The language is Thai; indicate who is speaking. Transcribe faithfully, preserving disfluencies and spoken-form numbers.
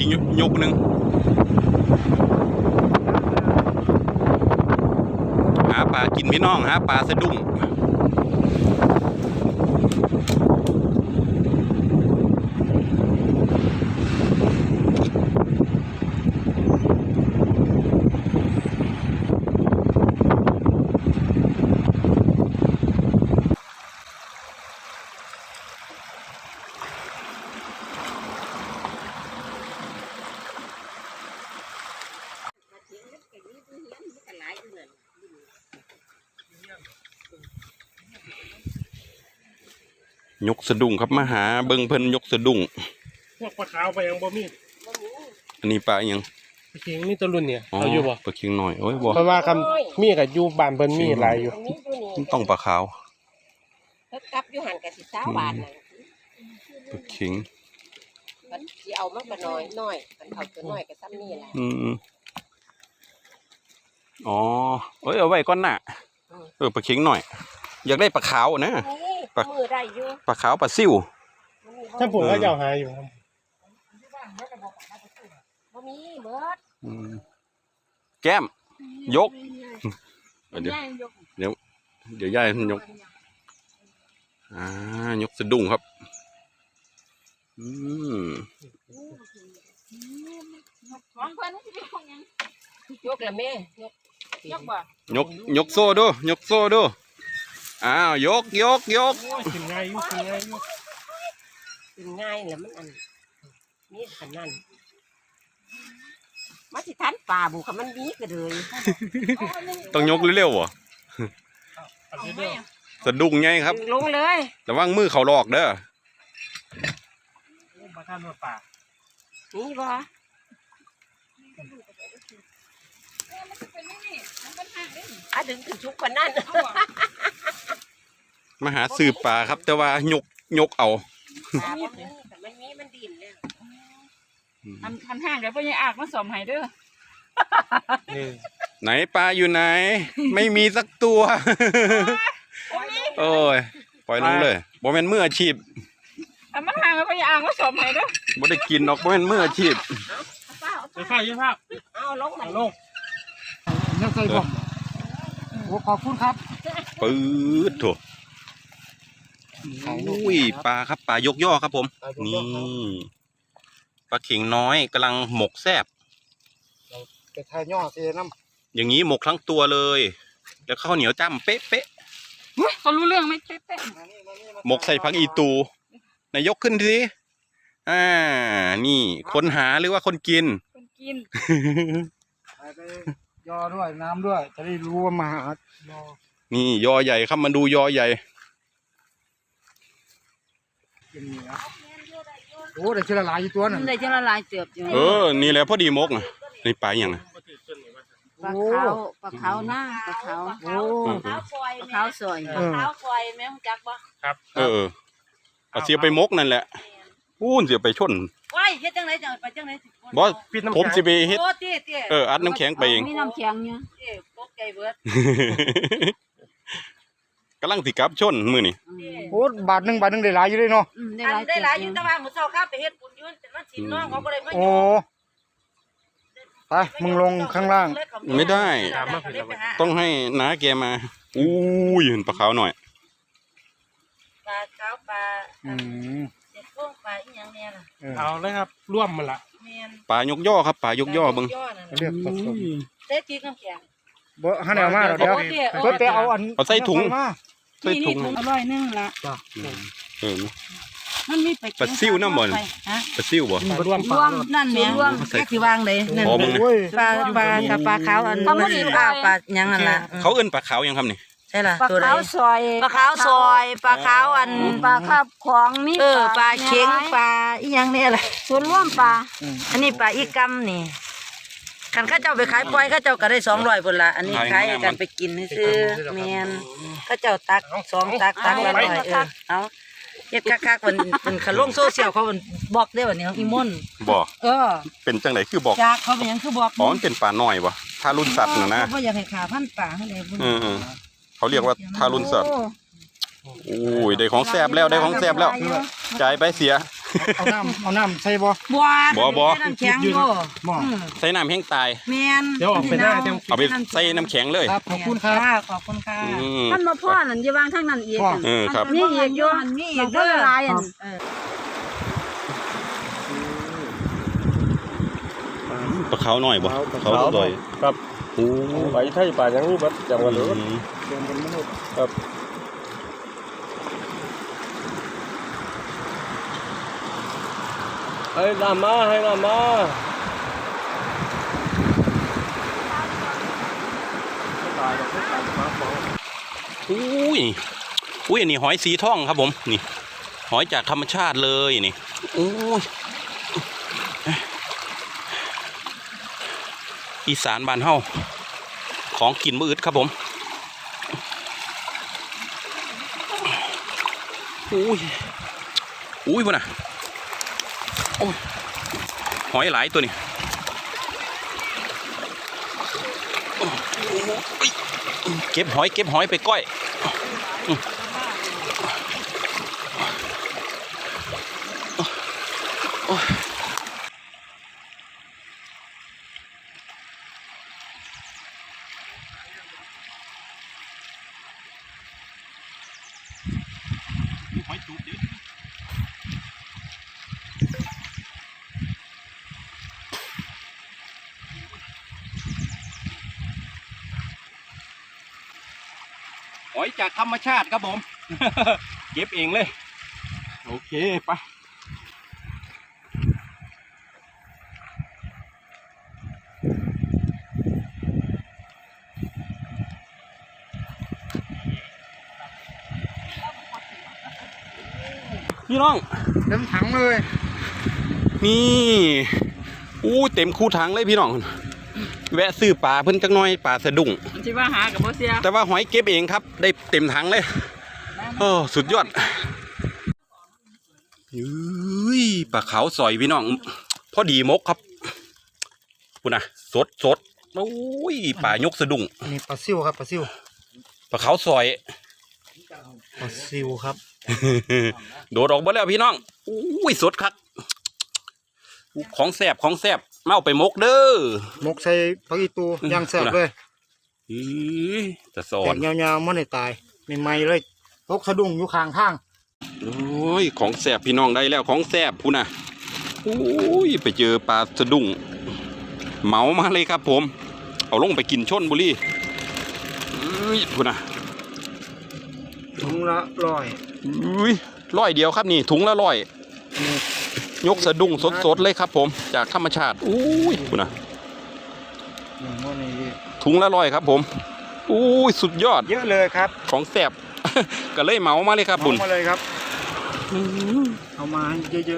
Speaker 1: กยกหนึ่งหาปลากินพี่น้องหาปลาสะดุ้งยกสะดุ้งครับมาหาเบิ้งเพิ่นยกสะดุ้ง
Speaker 2: พวกปลาขาวไปยังบ่มี
Speaker 1: อันนี้ปลาอย่าง
Speaker 2: ปลาเค็งมีตัวรุ่นเนี่ยเอาอยู่บ่
Speaker 1: ปลาเค็งหน่อยโอ้ยบ่
Speaker 2: เพราะว่าคำมีกับอยู่บ้านเพิ่นมีหลายอยู่
Speaker 1: ต้องปลาขาว
Speaker 3: ถ้ากลับอยู่หันกับสิบสามบาทน่ะ
Speaker 1: ปลาเค็ง
Speaker 3: มันสิเอามันก็น้อยน้อยมันเอาตัวน้อยก็ซ้ำนี่แหละ
Speaker 1: อืมอ๋อเอ้ยเอาไว้ก่อนน่ะเออปลาเค็งหน่อยอยากได้ปลาขาวนะ
Speaker 3: ปลามือได้อยู่
Speaker 1: ปลาขาวปลาซิ่ว
Speaker 2: ถ้าผมก็จะหาอยู่
Speaker 3: บ่มีเบิด
Speaker 1: แก้มยกเดี๋ยวเดี๋ยวเดี๋ยวย่ายยกอ่ายกสะดุ้งครับอืม
Speaker 3: ยกละแม่ยกยกบ่
Speaker 1: ยกยกโซ่ดูยกโซ่ดูอ้าวยกยกยก
Speaker 2: กินง่ายอยู่กินง่ายอยู่
Speaker 3: กินง่ายแล้วมันอันนี่ขนาดมาสิทันป่าบุกมันมีก็เลย
Speaker 1: ต้องยกเร็วๆวะสะดุ้งไงครับ
Speaker 3: ลงเลย
Speaker 1: ระวังมือเขาหลอกเด้อ
Speaker 2: มาท่านมาป่า
Speaker 3: นี่บ่อาดึงถึงชุกคนนั่น
Speaker 1: มาหาสืบป่าครับแต่ว่ายกยกเอา
Speaker 3: มันมีมันดินเลย
Speaker 4: ทำทำห้างเดี๋ยวพ่อใหญ่อากมาสมให้เด้อ
Speaker 1: ไหนปลาอยู่ไหนไม่มีสักตัวโอ้ยปล่อยลงเลยบ่แม่นมืออาชีพ
Speaker 4: ทำมันห่างแล้วพ่อใหญ่อากมาสมให้เด้อ
Speaker 1: บ่ได้กินหรอกบ่แม่นมืออาชีพ
Speaker 2: ไปข้าวยี่ภาพ
Speaker 3: เอาลงมา
Speaker 2: ลงยังใส่บ่โอ้ขอบคุณครับ
Speaker 1: ปื๊ดโถอุ้ยปลาครับปลายกย่อครับผมนี่ปลาเข็งน้อยกำลังหมกแซ่บ
Speaker 2: ไปทายย่อเสียน้
Speaker 1: ำอย่างนี้หมกทั้งตัวเลยแล้วข้าวเหนียวจ้ำเป๊ะเป๊ะ
Speaker 4: เขารู้เรื่องไหมเป๊ะเป๊ะ
Speaker 1: หมกใส่ผักอีตูนายกขึ้นทีอ่านี่คนหาหรือว่าคนกิน
Speaker 4: คนกิน
Speaker 2: ไปย่อด้วยน้ำด้วยจะได้รู้ว่ามาหา
Speaker 1: นี่ยอใหญ่ครับมาดูยอใหญ่
Speaker 2: โอ้ได้เชื้อลายอยู่ตัวนึง
Speaker 4: ได้เชื้อลายเติบอยู่
Speaker 1: เออนี่แหละพอดีมกนะนี่ปลาอย่างนะ
Speaker 4: ปลาขาวปลาขาวหน้าปลาขาว
Speaker 2: โอ้
Speaker 4: ปลาขาวสวยปลาขาวสวยแม่จักบ่
Speaker 2: ครับ
Speaker 1: เออเอาเสียไปมกนั่นแหละอู้นเสียไปชน
Speaker 4: ว้ายเฮ็ดจังไรจังไปจังไร
Speaker 1: บอสผมสิไปเฮ็ดเอออัดน้ำแข็งไปเอง
Speaker 4: มีน้ำแข็งเนี่ยเอ๊ะปกใจเบิด
Speaker 1: กำลังสิกับชนมือนี่
Speaker 2: โอ้บาทหนึ่งบาทหนึ่งได้หลายอยู่เลยเนาะ
Speaker 3: ได้หลายอยู่แต่ว่าหมูเจ้าข้าไปเฮ็ดบุญยืนแต่ว่าสิน้องเขาก็เลยไม่
Speaker 2: โอ้ไปมึงลงข้างล่าง
Speaker 1: ไม่ได้ต้องให้น้าแกมาอู้ยเห็นปลาขาวหน่อย
Speaker 3: ปลาขาวปลาเจ็ดพวงปลาอีหยังเนี่ยล่ะ
Speaker 2: เอาเลยครับร่วมมันละ
Speaker 1: ปลายกย่อครับปลายกย่อเบิ้ง
Speaker 2: เรียกผสม
Speaker 3: เต้จีน้ำแข็ง
Speaker 2: บ่ฮันเอามาเดี๋ยวเพิ่นไปเอาอัน
Speaker 1: เอาใส่ถุง
Speaker 4: ใส่ถุงอร่อยนึงละ
Speaker 1: เออ
Speaker 4: มันมี
Speaker 1: ปลาซิ่วน้ำมันปลาซิ่วบ่
Speaker 4: รวมนั่นเนี่ยรวมแค่สิวางเลยนั่นปลาปลากับปลาขาวอันมันสิปลาปลายังนั่นล่ะ
Speaker 1: เขาเอิ้นปลาขาวยังครับนี่
Speaker 4: ใช่ล่ะปลาขาวซอยปลาขาวซอยปลาขาวอันปลาคาบของมีเออปลาเค็งปลาอีหยังนี่อะไรส่วนร่วมปลาอันนี้ปลาอีกัมนี่คันข้าเจ้าไปขายปล่อยข้าเจ้าก็ได้สองร้อยพุ่นละอันนี้ขายกันไปกินซื้อแมนข้าเจ้าตักสองตักตักละร้อยเออเอาเฮ็ดคักๆมันเป็นขลุ่งโซเชียลเขาเป็นบอกได้แบบนี้อีม่น
Speaker 1: บอก
Speaker 4: เออ
Speaker 1: เป็นจังไหนคือบอก
Speaker 4: จากเขาเป็นยังคือบอก
Speaker 1: อ๋อมันเป็นปลาหน่อยวะทารุณสัตว์นะนะ
Speaker 4: เขาอยากให้ขาพันปลาให้เลย
Speaker 1: อืมเขาเรียกว่าทารุณสัตว์โอ้ยได้ของแซ่บแล้วได้ของแซ่บแล้วจ่ายไปเสีย
Speaker 2: เอาน้ำเอาน้ำใส่บ่
Speaker 4: บัว
Speaker 1: บ่บ่
Speaker 4: น้ำแข็งบ่
Speaker 2: บ่
Speaker 4: อืม
Speaker 1: ใส่น้ำแห้งตาย
Speaker 4: แม่น
Speaker 2: เดี๋ยวออกไปหน้าจัง
Speaker 1: เอาไปใส่น้ำแข็งเลย
Speaker 2: ครับขอบคุณครับ
Speaker 4: ค่ะขอบคุณค่ะ
Speaker 1: อืม
Speaker 3: ท่านมาพ่อนั่นจะวางทางนั้นอีก
Speaker 2: พ่อ
Speaker 1: เออครับ
Speaker 3: มีอีกอยู่
Speaker 4: มีอีก
Speaker 3: เด้
Speaker 4: เด้
Speaker 3: อ
Speaker 4: อ
Speaker 3: หลายอัน
Speaker 1: ปลาขาวหน่อยบ่เขาลอย
Speaker 5: ครับ
Speaker 1: โอ้
Speaker 5: ไปไทยป่ายังนี้บัดจังหวัดเลย
Speaker 1: อืม
Speaker 2: เดินเป็นมนุษย์
Speaker 5: ครับให้น้ำมาให้น้ำมา
Speaker 1: อุ้ยอุ้ยอันนี้หอยสีทองครับผมนี่หอยจากธรรมชาติเลยนี่โอ้ยอีสานบ้านเฮาของกินมืดครับผมอุ้ยอุ้ยพุ่นน่ะโอ้ยหอยหลายตัวนี่โอ้ยเก็บหอยเก็บหอยไปก้อยอืมโอ้ยหอยจูบเดี๋ยวหอยจากธรรมชาติครับผม เก็บเองเลย โอเคไปพี่น้อง
Speaker 2: เต็มถังเลย
Speaker 1: นี่อู้เต็มคู่ถังเลยพี่น้อง แวะซื้อปลาเพิ่นจักหน้อยปลาสะดุ้ง
Speaker 3: ที่ว่าหากับบ่เสีย
Speaker 1: แต่ว่าหอยเก็บเองครับ ได้เต็มถังเลย โอ้สุดยอดอุ้ยปลาขาวสอยพี่น้อง พอดีมกครับคุณนะสดสดโอ้ยปลายกสะดุ้ง
Speaker 2: อันนี้ปลาซิวครับปลาซิว
Speaker 1: ปลาขาวสอย
Speaker 2: ปลาซิวครับ
Speaker 1: โดดออกมาแล้วพี่น้องอุ้ยสดครับของแสบของแสบเมาไปมกเด้อ
Speaker 2: มกใส่ผักอีตูย่างแซ่บเลย
Speaker 1: อีจะสอ
Speaker 2: แต
Speaker 1: น
Speaker 2: กยาวๆมันได้ตายใหม่ๆเลยตกสะดุ้งอยู่ข้างทาง
Speaker 1: โอ้ยของแสบพี่น้องได้แล้วของแสบพูน่ะโอ้ยไปเจอปลาสะดุ้งเหมามาเลยครับผม เอาลงไปกินชนบุรีอุ้ยพูน่ะ
Speaker 2: ถุงละร้อย
Speaker 1: อุ้ยร้อยเดียวครับนี่ถุงละร้อย
Speaker 2: นี่
Speaker 1: ยกสะดุ้งสดๆเลยครับผมจากธรรมชาติอุ้ยพูน่ะ
Speaker 2: หนึ่งวันนี้
Speaker 1: ถุงละร้อยครับผมอุ้ยสุดยอด
Speaker 2: เยอะเลยครับ
Speaker 1: ของแสบ ก็เลยเหมามาเลยครับบุญ
Speaker 2: เอามาเลยครับเอามาให้เยอะๆ